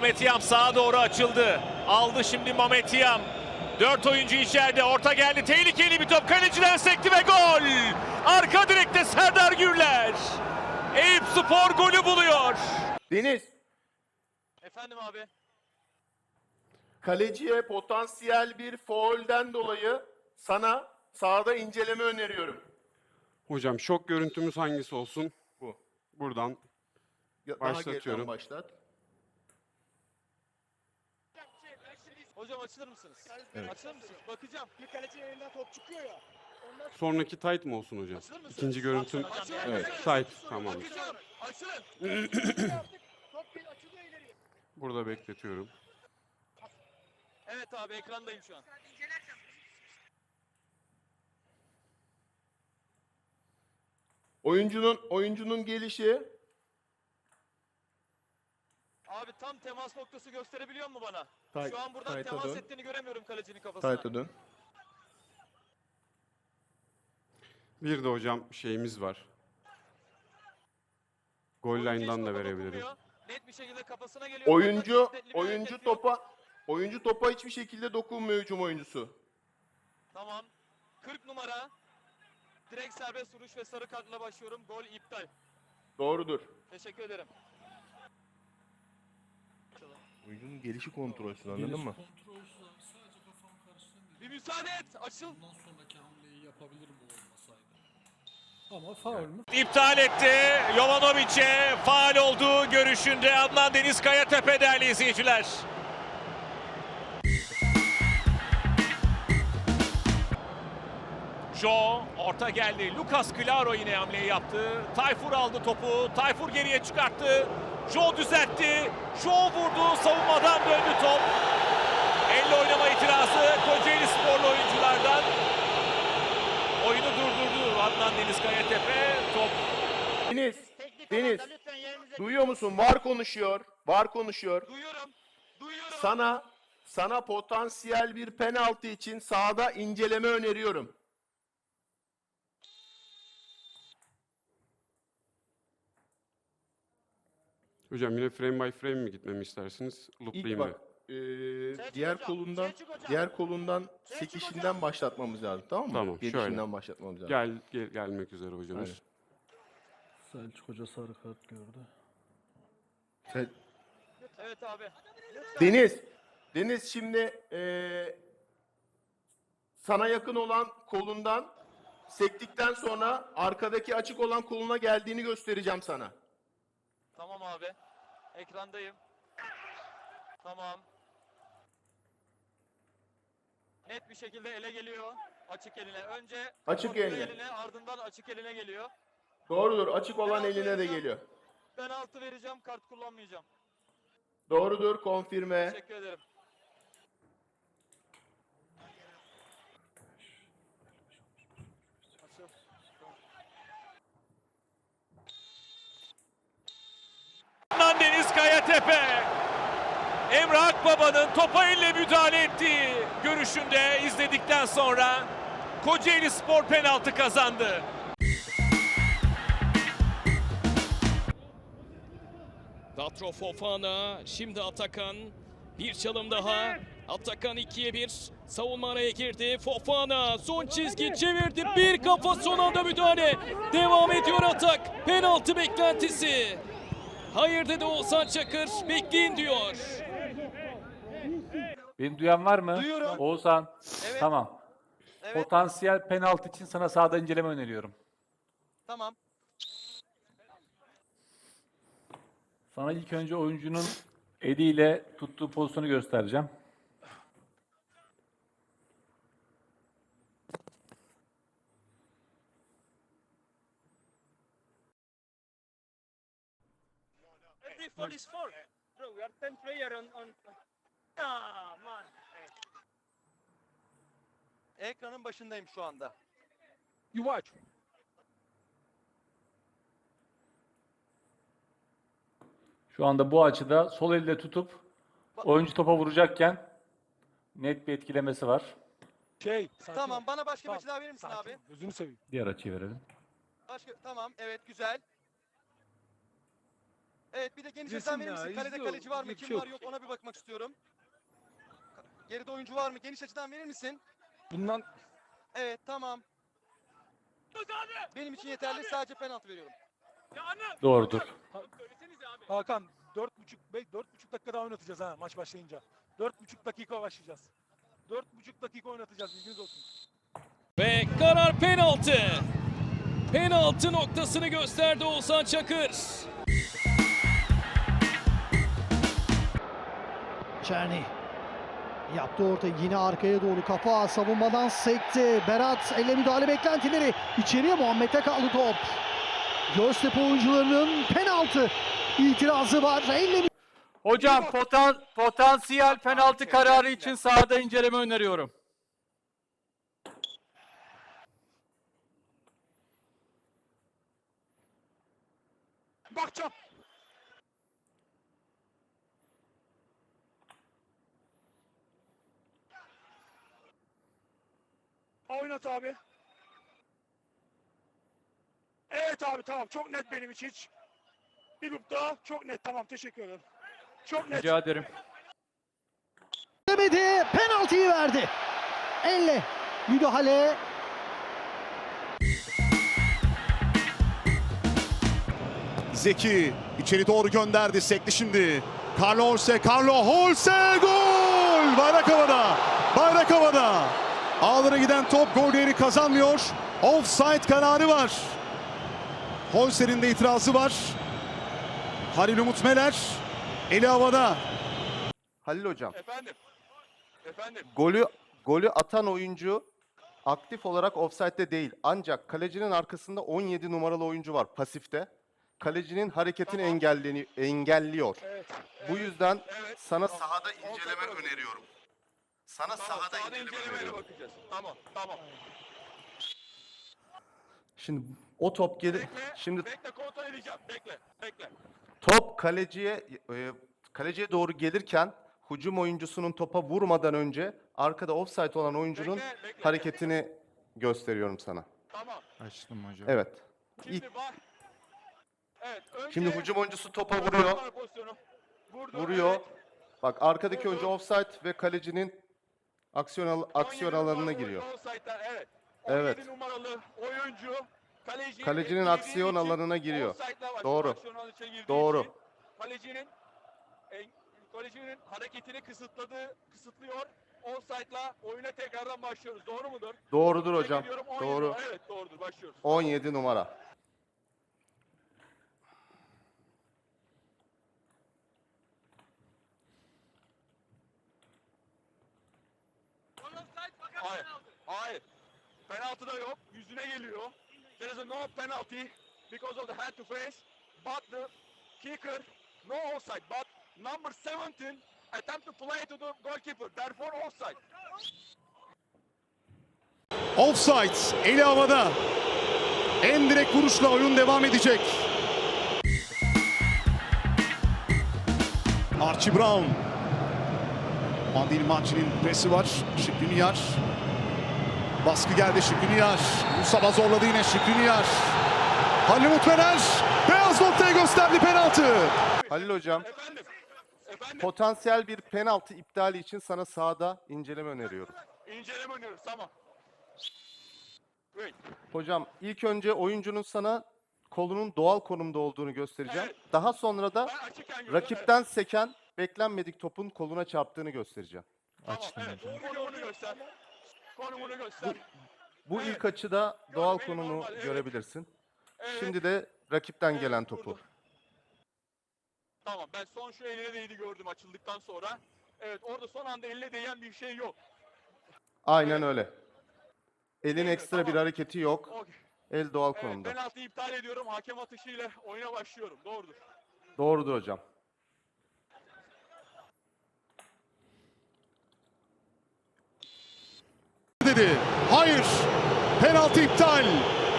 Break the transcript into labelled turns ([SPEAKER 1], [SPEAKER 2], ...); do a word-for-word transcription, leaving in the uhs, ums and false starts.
[SPEAKER 1] Mametiyam sağa doğru açıldı. Aldı şimdi Mametiyam. Dört oyuncu içeride. Orta geldi. Tehlikeli bir top. Kaleciden sekti ve gol. Arka direkte Serdar Gürler. Eyüpspor golü buluyor.
[SPEAKER 2] Deniz,
[SPEAKER 3] Efendim abi.
[SPEAKER 2] kaleciye potansiyel bir faulden dolayı sana sahada inceleme öneriyorum.
[SPEAKER 4] Hocam şok görüntümüz hangisi olsun?
[SPEAKER 2] Bu.
[SPEAKER 4] Buradan
[SPEAKER 2] Ya- Daha
[SPEAKER 4] Başlatıyorum.
[SPEAKER 2] geriden başlat.
[SPEAKER 3] Hocam açılır mısınız?
[SPEAKER 2] Evet.
[SPEAKER 3] Açılır mısınız? Bakacağım.
[SPEAKER 5] Bir kalecinin elinden top çıkıyor ya. Ondan sonra
[SPEAKER 4] sonraki tight mı olsun hocam?
[SPEAKER 3] Açılır mısınız?
[SPEAKER 4] İkinci görüntüm
[SPEAKER 3] Açılır
[SPEAKER 2] Evet.
[SPEAKER 3] mısınız?
[SPEAKER 4] tight, tamam.
[SPEAKER 3] Bakacağım. Açılın.
[SPEAKER 5] artık top bir açılıyor ileriye.
[SPEAKER 4] Burada bekletiyorum.
[SPEAKER 3] Evet abi ekrandayım şu an.
[SPEAKER 2] Oyuncunun oyuncunun gelişi
[SPEAKER 3] Abi tam temas noktası gösterebiliyor mu bana?
[SPEAKER 2] Tay-
[SPEAKER 3] Şu an buradan
[SPEAKER 2] tayta
[SPEAKER 3] temas
[SPEAKER 2] dön.
[SPEAKER 3] ettiğini göremiyorum kalecinin kafasına.
[SPEAKER 2] Tayt'a dön.
[SPEAKER 4] Bir de hocam şeyimiz var. Goal
[SPEAKER 3] Oyuncu hiç
[SPEAKER 4] line'dan da
[SPEAKER 3] topa
[SPEAKER 4] verebilirim.
[SPEAKER 3] dokunmuyor. Net bir şekilde kafasına geliyor.
[SPEAKER 2] Oyuncu
[SPEAKER 3] Oradan şiddetli bir
[SPEAKER 2] oyuncu
[SPEAKER 3] hareket yok.
[SPEAKER 2] topa oyuncu topa hiçbir şekilde dokunmuyor hücum oyuncusu.
[SPEAKER 3] Tamam. kırk numara. Direkt serbest vuruş ve sarı kartla başlıyorum. Gol iptal.
[SPEAKER 2] Doğrudur.
[SPEAKER 3] Teşekkür ederim.
[SPEAKER 2] Oyuncunun gelişi kontrolsüz anladın mı?
[SPEAKER 6] Kontrolsüz abi, sadece kafam karıştı.
[SPEAKER 3] Bir müsaade et. Açıl.
[SPEAKER 6] Bundan sonraki hamleyi yapabilirim o olmasaydı. Ama faul mü?
[SPEAKER 1] İptal etti. Jovanovic'e faal olduğu görüşünde Adnan Deniz Kayatepe değerli izleyiciler. Jo orta geldi. Lucas Claro yine hamleyi yaptı. Tayfur aldı topu. Tayfur geriye çıkarttı. Jo düzeltti. Jo vurdu. Savunmadan döndü top. Elle oynama itirazı Kocaeli sporlu oyunculardan. Oyunu durdurdu Adnan Deniz Kayatepe. Top
[SPEAKER 2] Deniz, Deniz, duyuyor musun? Var konuşuyor. Var konuşuyor.
[SPEAKER 3] Duyuyorum. Duyuyorum.
[SPEAKER 2] Sana sana potansiyel bir penaltı için sahada inceleme öneriyorum.
[SPEAKER 4] Hocam yine frame by frame mi gitmemi istersiniz?
[SPEAKER 2] İlk
[SPEAKER 4] Looplayayım
[SPEAKER 2] bak,
[SPEAKER 4] mı?
[SPEAKER 2] eee, diğer kolundan
[SPEAKER 5] Selçuk hocam.
[SPEAKER 2] diğer kolundan sekişinden başlatmamız lazım, tamam mı?
[SPEAKER 4] Tamam, şöyle.
[SPEAKER 2] Gelişinden başlatmamız lazım.
[SPEAKER 4] Gel, gel gelmek üzere hocamız.
[SPEAKER 2] Aynen.
[SPEAKER 6] Selçuk Hoca sarı kart gördü.
[SPEAKER 2] Sen-
[SPEAKER 3] Evet abi.
[SPEAKER 2] Deniz, Deniz şimdi eee, sana yakın olan kolundan sektikten sonra arkadaki açık olan koluna geldiğini göstereceğim sana.
[SPEAKER 3] Tamam abi. Ekrandayım. Tamam. Net bir şekilde ele geliyor. Açık eline. Önce
[SPEAKER 2] Açık
[SPEAKER 3] kontrol
[SPEAKER 2] eline.
[SPEAKER 3] ardından açık eline geliyor.
[SPEAKER 2] Doğrudur, açık olan
[SPEAKER 3] Penaltı
[SPEAKER 2] eline de
[SPEAKER 3] vereceğim.
[SPEAKER 2] geliyor.
[SPEAKER 3] Ben altı vereceğim. Kart kullanmayacağım.
[SPEAKER 2] Doğrudur, konfirme.
[SPEAKER 3] Teşekkür ederim. Açıl.
[SPEAKER 1] Adnan Deniz Kayatepe. Emre Akbaba'nın topa elle müdahale ettiği görüşünde izledikten sonra Kocaeli Spor penaltı kazandı.
[SPEAKER 7] Datro Fofana, şimdi Atakan. Bir çalım daha. Atakan ikiye bir. Savunma araya girdi. Fofana son çizgi çevirdi. Bir kafa, son anda müdahale. Devam ediyor atak. Penaltı beklentisi. Hayır dedi Oğuzhan Çakır. Bekleyin diyor.
[SPEAKER 8] Beni duyan var mı?
[SPEAKER 3] Duyuyorum.
[SPEAKER 8] Oğuzhan.
[SPEAKER 3] Evet.
[SPEAKER 8] Tamam.
[SPEAKER 3] Evet.
[SPEAKER 8] Potansiyel penaltı için sana sahada inceleme öneriyorum.
[SPEAKER 3] Tamam.
[SPEAKER 8] Sana ilk önce oyuncunun eliyle tuttuğu pozisyonu göstereceğim.
[SPEAKER 5] Every foul is foul. Bro, we are ten player on on. Ah man.
[SPEAKER 3] Ekranın başındayım şu anda.
[SPEAKER 5] You watch.
[SPEAKER 8] Şu anda bu açıda sol elle tutup oyuncu topa vuracakken net bir etkilemesi var.
[SPEAKER 5] Şey. Sakin
[SPEAKER 3] Tamam,
[SPEAKER 5] ol.
[SPEAKER 3] bana başka bir
[SPEAKER 5] Tamam,
[SPEAKER 3] açı daha verir misin
[SPEAKER 5] sakin
[SPEAKER 3] abi?
[SPEAKER 5] ol. Gözünü seveyim.
[SPEAKER 8] Diğer açıyı verelim.
[SPEAKER 3] Başka, tamam, evet güzel. Evet, bir de geniş
[SPEAKER 6] Resim
[SPEAKER 3] açıdan verir
[SPEAKER 6] ya,
[SPEAKER 3] misin? Kalede
[SPEAKER 6] izliyor,
[SPEAKER 3] kaleci var mı?
[SPEAKER 6] bir
[SPEAKER 3] Kim
[SPEAKER 6] şey
[SPEAKER 3] var
[SPEAKER 6] yok.
[SPEAKER 3] yok ona bir bakmak istiyorum. Geride oyuncu var mı? Geniş açıdan verir misin?
[SPEAKER 6] Bundan
[SPEAKER 3] Evet, tamam. Benim için yeterli. Sadece penaltı veriyorum.
[SPEAKER 8] Doğrudur.
[SPEAKER 6] Hakan dört buçuk dört buçuk dakika daha oynatacağız ha maç başlayınca. Dört buçuk dakika başlayacağız. Dört buçuk dakika oynatacağız, bilginiz olsun.
[SPEAKER 7] Ve karar penaltı. Penaltı noktasını gösterdi Oğuzhan Çakır.
[SPEAKER 9] Çerni yaptı orta, yine arkaya doğru kafa, savunmadan sekti. Berat elle müdahale beklentileri, içeriye Muhammed'e kaldı top. Göztepe oyuncularının penaltı itirazı var. Elle
[SPEAKER 8] Hocam potan, potansiyel penaltı kararı için sahada inceleme öneriyorum.
[SPEAKER 6] Bakacağım. Oynat abi. Evet abi, tamam, çok net benim için hiç. Bir grup daha çok net, tamam, teşekkür ederim. Çok net.
[SPEAKER 8] Rica ederim.
[SPEAKER 9] demedi, penaltıyı verdi. Elle müdahale.
[SPEAKER 10] Zeki içeri doğru gönderdi. Sekti şimdi. Carlo Holse, Carlo Holse, gol! Bayrak havada. Bayrak havada. Ağlara giden top gol değeri kazanmıyor. Offside kararı var. Holse'nin de itirazı var. Halil Umut Meler eli havada.
[SPEAKER 2] Halil hocam,
[SPEAKER 3] Efendim. Efendim.
[SPEAKER 2] golü golü atan oyuncu aktif olarak ofsaytte değil. Ancak kalecinin arkasında on yedi numaralı oyuncu var pasifte. Kalecinin hareketini
[SPEAKER 3] Tamam.
[SPEAKER 2] engelleni engelliyor.
[SPEAKER 3] Evet.
[SPEAKER 2] Bu yüzden
[SPEAKER 3] Evet.
[SPEAKER 2] sana
[SPEAKER 3] Tamam.
[SPEAKER 2] sahada
[SPEAKER 3] Offside
[SPEAKER 2] inceleme
[SPEAKER 3] bırakın.
[SPEAKER 2] öneriyorum. Sana
[SPEAKER 3] Tamam,
[SPEAKER 2] sahada
[SPEAKER 3] sahada
[SPEAKER 2] inceleme
[SPEAKER 3] incelemeyle
[SPEAKER 2] öneriyorum.
[SPEAKER 3] bakacağız. Tamam, tamam.
[SPEAKER 2] Şimdi o top gelir.
[SPEAKER 3] Bekle,
[SPEAKER 2] Şimdi
[SPEAKER 3] bekle, kontrol edeceğim. Bekle, bekle.
[SPEAKER 2] top kaleciye e, kaleciye doğru gelirken hücum oyuncusunun topa vurmadan önce arkada offside olan oyuncunun
[SPEAKER 3] Bekle, bekle.
[SPEAKER 2] hareketini gösteriyorum sana.
[SPEAKER 3] Tamam.
[SPEAKER 10] Açtım hocam.
[SPEAKER 2] Evet. İlk,
[SPEAKER 3] Şimdi bak. Evet, önce...
[SPEAKER 2] şimdi hücum oyuncusu topa vuruyor.
[SPEAKER 3] Pozisyonu. Vurdu,
[SPEAKER 2] Vuruyor.
[SPEAKER 3] evet.
[SPEAKER 2] Bak arkadaki
[SPEAKER 3] Vurdu.
[SPEAKER 2] oyuncu offside ve kalecinin aksiyon al- aksiyon
[SPEAKER 3] on yedi
[SPEAKER 2] alanına
[SPEAKER 3] numaralı
[SPEAKER 2] giriyor.
[SPEAKER 3] offside'den, evet.
[SPEAKER 2] Evet.
[SPEAKER 3] on yedi numaralı oyuncu kaleciyi
[SPEAKER 2] Kalecinin
[SPEAKER 3] etkilediği
[SPEAKER 2] aksiyon
[SPEAKER 3] için
[SPEAKER 2] alanına giriyor.
[SPEAKER 3] offside'la başlıyor,
[SPEAKER 2] Doğru.
[SPEAKER 3] aksiyon alanına girdiği
[SPEAKER 2] Doğru.
[SPEAKER 3] için Kalecinin en- kalecinin hareketini kısıtladığı kısıtlıyor. Offside'la oyuna tekrardan başlıyoruz. Doğru mudur?
[SPEAKER 2] Doğrudur
[SPEAKER 3] Tebrik
[SPEAKER 2] hocam.
[SPEAKER 3] ediyorum, on yedi
[SPEAKER 2] Doğru.
[SPEAKER 3] Evet, doğrudur. Başlıyoruz.
[SPEAKER 2] on yedi numara.
[SPEAKER 3] Hayır. Hayır. Penaltı da yok. Yüzüne geliyor. There is a no penalty because of the hand to face. But the kicker no offside. But number seventeen attempt to play to the goalkeeper. Therefore offside.
[SPEAKER 10] Offside eli havada. En direkt vuruşla oyun devam edecek. Archie Brown. Andil Manci'nin presi var. Şükrüniyar. Baskı geldi Şükrüniyar. Musaba zorladı yine Şükrüniyar. Halil Umut Meler beyaz noktaya gösterdi penaltı.
[SPEAKER 2] Halil hocam,
[SPEAKER 3] Efendim. Efendim.
[SPEAKER 2] potansiyel bir penaltı iptali için sana sahada inceleme öneriyorum.
[SPEAKER 3] İnceleme oynuyoruz. Tamam. Wait.
[SPEAKER 2] Hocam ilk önce oyuncunun sana kolunun doğal konumda olduğunu göstereceğim.
[SPEAKER 3] Evet.
[SPEAKER 2] Daha sonra da
[SPEAKER 3] Ben açıkken gördüm.
[SPEAKER 2] rakipten seken beklenmedik topun koluna çarptığını göstereceğim.
[SPEAKER 3] Evet. Tamam, evet. Konumunu göster. Konumunu göster.
[SPEAKER 2] Bu
[SPEAKER 3] Evet.
[SPEAKER 2] ilk açıda doğal
[SPEAKER 3] benim
[SPEAKER 2] konumu
[SPEAKER 3] normal, evet.
[SPEAKER 2] görebilirsin.
[SPEAKER 3] Evet.
[SPEAKER 2] Şimdi de rakipten
[SPEAKER 3] Evet,
[SPEAKER 2] gelen topu.
[SPEAKER 3] vurdum. Tamam, ben son şu eline değdi gördüm açıldıktan sonra. Evet, orada son anda eline değen bir şey yok.
[SPEAKER 2] Aynen öyle. Elin
[SPEAKER 3] Evet,
[SPEAKER 2] ekstra bir
[SPEAKER 3] tamam.
[SPEAKER 2] hareketi yok.
[SPEAKER 3] Okey.
[SPEAKER 2] El doğal
[SPEAKER 3] Evet,
[SPEAKER 2] konumda.
[SPEAKER 3] penaltıyı iptal ediyorum. Hakem atışıyla oyuna başlıyorum. Doğrudur.
[SPEAKER 2] Doğrudur hocam.
[SPEAKER 10] Dedi. Hayır. Penaltı iptal.